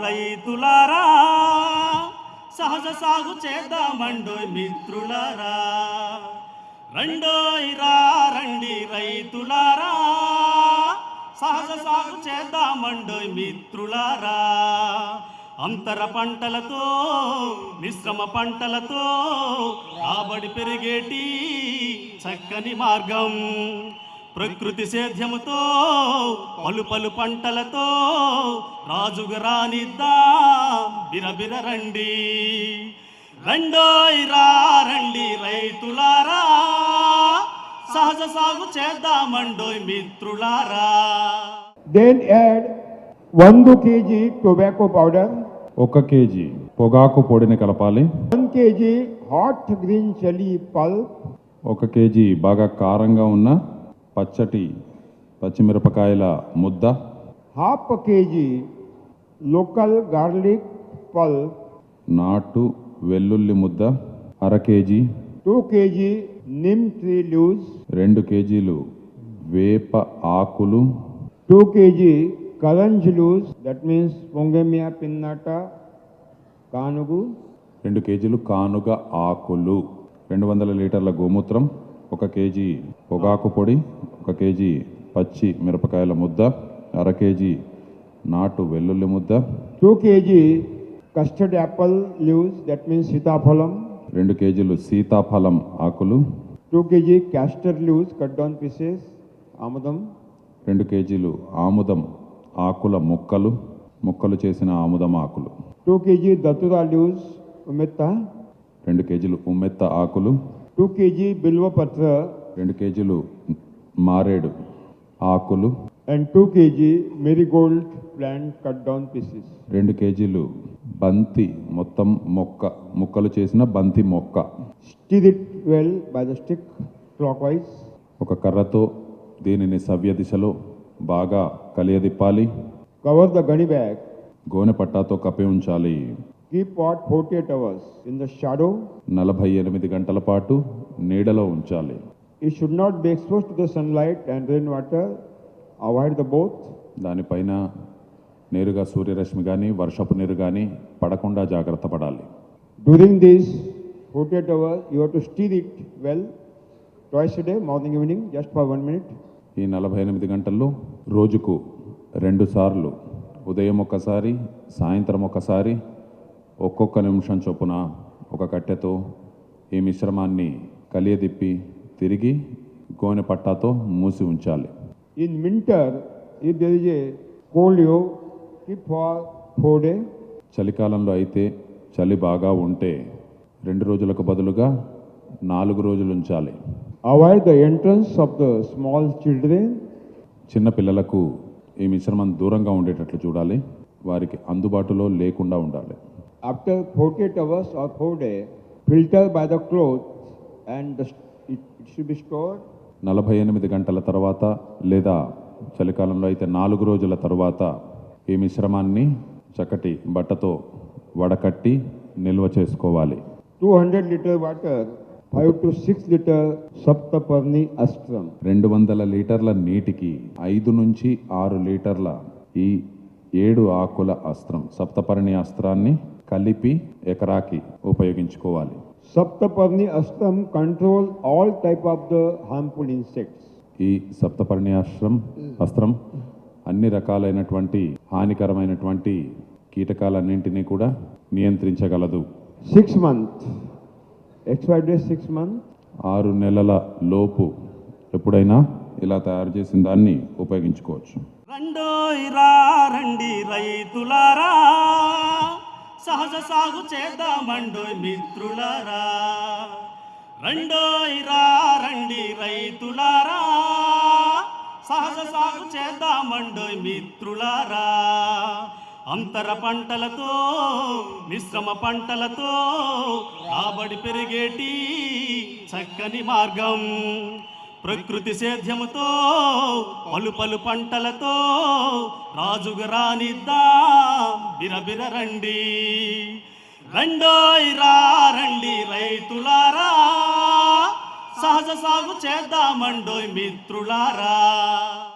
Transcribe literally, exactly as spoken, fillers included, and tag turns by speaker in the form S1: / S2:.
S1: రైతులారా, సహజ సాగు చేద్దామండోయ్ మిత్రులారా. రండోయ్ రా రండి రైతులారా, సహజ సాగు చేద్దామండోయ్ మిత్రులారా. అంతర పంటలతో మిశ్రమ పంటలతో రాబడి పెరిగేటి చక్కని మార్గం. ప్రకృతి సేద్యముతో పలు పలు పంటలతో రాజుగా రానిద్దా బిరబిర రండి. రండోయ్ రా రండి రైతులారా, సహజ సాగు చేద్దామండోయ్ మిత్రులారా.
S2: Then add one kg tobacco powder,
S3: ఒక కేజీ పొగాకు పొడిని కలపాలి.
S2: one kg hot green chili pulp,
S3: ఒక కేజీ బాగా కారంగా ఉన్న పచ్చటి పచ్చిమిరపకాయల ముద్ద,
S2: half a kg local garlic pulp,
S3: నాటు వెల్లుల్లి ముద్ద అర KG,
S2: two kg neem tree leaves,
S3: రెండు కేజీలు వేప ఆకులు,
S2: two kg karanj leaves, that means Pongemia pinnata, kanugu,
S3: రెండు కేజీలు కానుగ ఆకులు, రెండు వందల లీటర్ల గోమూత్రం, ఒక కేజీ పొగాకు పొడి, ఒక కేజీ పచ్చి మిరపకాయల ముద్ద, అర కేజీ నాటు వెల్లుల్లి ముద్ద,
S2: two kg custard apple leaves, that means sitaphalam,
S3: రెండు కేజీలు సీతాఫలం ఆకులు,
S2: two kg castor leaves cut down pieces, amadam,
S3: రెండు కేజీలు ఆముదం ఆకుల ముక్కలు, ముక్కలు చేసిన ఆముదం ఆకులు,
S2: two kg datura leaves, umetta,
S3: రెండు కేజీలు ఉమ్మెత్త ఆకులు,
S2: two kg bilva patra,
S3: రెండు కేజీలు మారేడు ఆకులు,
S2: and two kg marigold plant cut down pieces.
S3: రెండు కేజీలు బంతి మొత్తం మొక్క ముక్కలు చేసిన బంతి మొక్క.
S2: Stir it well by the stick clockwise.
S3: ఒక కర్రతో దీనిని సవ్య దిశలో బాగా కలియదిప్పాలి.
S2: Cover the gunny bag.
S3: గోనె పట్టాతో కప్పి ఉంచాలి.
S2: Keep pot forty-eight hours in the shadow.
S3: నలభై ఎనిమిది గంటల పాటు నీడలో ఉంచాలి.
S2: It should not be exposed to the sunlight and rainwater. Avoid the both.
S3: దానిపైన నేరుగా సూర్యరశ్మి కానీ వర్షపు నీరు కానీ పడకుండా జాగ్రత్త పడాలి.
S2: During this forty-eight hours, you have to stir it well twice a day, morning, evening, just for one minute.
S3: ఈ నలభై ఎనిమిది గంటల్లో రోజుకు రెండు సార్లు, ఉదయం ఒకసారి, సాయంత్రం ఒకసారి, ఒక్కొక్క నిమిషం చొప్పున ఒక కట్టెతో ఈ మిశ్రమాన్ని కలియదిప్పి తిరిగి గోనె పట్టాతో మూసి ఉంచాలి.
S2: In winter, if there is a cold, you keep for four days.
S3: చలికాలంలో అయితే చలి బాగా ఉంటే రెండు రోజులకు బదులుగా నాలుగు రోజులు ఉంచాలి.
S2: Avoid the entrance of the small children.
S3: చిన్న పిల్లలకు ఈ మిశ్రమం దూరంగా ఉండేటట్లు చూడాలి. వారికి అందుబాటులో లేకుండా ఉండాలి.
S2: After forty-eight hours or four days, filter by the cloth and the, it, it should be stored.
S3: నలభై ఎనిమిది గంటల తర్వాత లేదా చలికాలంలో అయితే నాలుగు రోజుల తర్వాత ఈ మిశ్రమాన్ని చక్కటి బట్టతో వడకట్టి నిల్వ చేసుకోవాలి.
S2: two hundred liter water, five to six liter saptaparni astram.
S3: రెండు వందల లీటర్ల నీటికి ఐదు నుంచి ఆరు లీటర్ల ఈ ఏడు ఆకుల అస్త్రం సప్తపర్ణి అస్త్రాన్ని కలిపి ఎకరాకి ఉపయోగించుకోవాలి.
S2: Saptaparni astram control all type of the harmful insects.
S3: ఈ సప్తపర్ణి అస్త్రం అస్త్రం అన్ని రకాలైనటువంటి హానికరమైనటువంటి కీటకాలన్నింటినీ కూడా నియంత్రించగలదు.
S2: Six months, expired date six months.
S3: ఆరు నెలల లోపు ఎప్పుడైనా ఇలా తయారు చేసిన దాన్ని ఉపయోగించుకోవచ్చు.
S1: రండోయ్ రా రండి రైతులారా, సహజ సాగు చేద్దామండోయ్ మిత్రులారా. రండోయ్ రా రండి రైతులారా, సహజ సాగు చేద్దామండోయ్ మిత్రులారా. అంతర పంటలతో మిశ్రమ పంటలతో రాబడి పెరిగేటి చక్కని మార్గం. ప్రకృతి సేద్యముతో పలు పలు పంటలతో రాజుగా రానిద్దా బిరబిర రండి. రండోయ్ రా రండి రైతులారా, సహజ సాగు చేద్దామండోయ్ మిత్రులారా.